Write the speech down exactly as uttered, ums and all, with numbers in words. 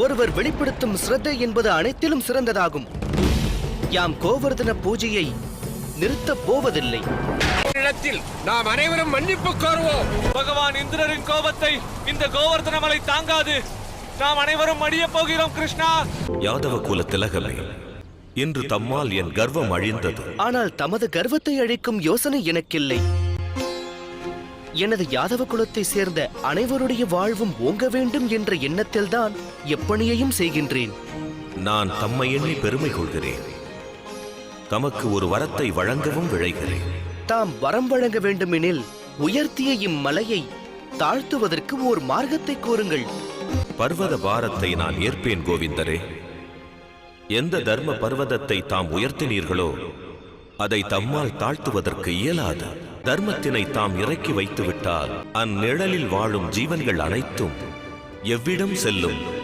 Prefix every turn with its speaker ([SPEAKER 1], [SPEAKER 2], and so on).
[SPEAKER 1] ஒருவர் வெளிப்படுத்தும் ஸ்ரத்தை என்பது அனைத்திலும் சிறந்ததாகும். யாம் கோவர்தன பூஜையை நிறுத்தப் போவதில்லை.
[SPEAKER 2] இடத்தில் நாம் அனைவரும் மன்னிப்பு கோருவோம்.
[SPEAKER 3] பகவான் இந்திரரின் கோபத்தை இந்த கோவர்தன மலை தாங்காது. நாம் அனைவரும் அழிய போகிறோம். கிருஷ்ணா,
[SPEAKER 4] யாதவ குல திலகமே, இன்று தம்மால் என் கர்வம் அழிந்தது.
[SPEAKER 1] ஆனால் தமது கர்வத்தை அழிக்கும் யோசனை எனக்கில்லை. எனது யாதவ குலத்தை சேர்ந்த அனைவருடைய வாழ்வும் ஓங்க வேண்டும் என்ற எண்ணத்தில்தான் எப்பணியையும் செய்கின்றேன்.
[SPEAKER 4] நான் தம்மை எண்ணி பெருமை கொள்கிறேன். தமக்கு ஒரு வரத்தை வழங்கவும் விழைகிறேன்.
[SPEAKER 1] தாம் வரம் வழங்க வேண்டுமெனில் உயர்த்திய இம்மலையை தாழ்த்துவதற்கு ஓர் மார்க்கத்தை கூறுங்கள்.
[SPEAKER 4] பர்வத பாரத்தை நான் ஏற்பேன் கோவிந்தரே. எந்த தர்ம பர்வதத்தை தாம் உயர்த்தினீர்களோ அதை தம்மால் தாழ்த்துவதற்கு இயலாது. தர்மத்தினை தாம் இறக்கி வைத்துவிட்டால் அந்நிழலில் வாழும் ஜீவன்கள் அனைத்தும் எவ்விடம் செல்லும்?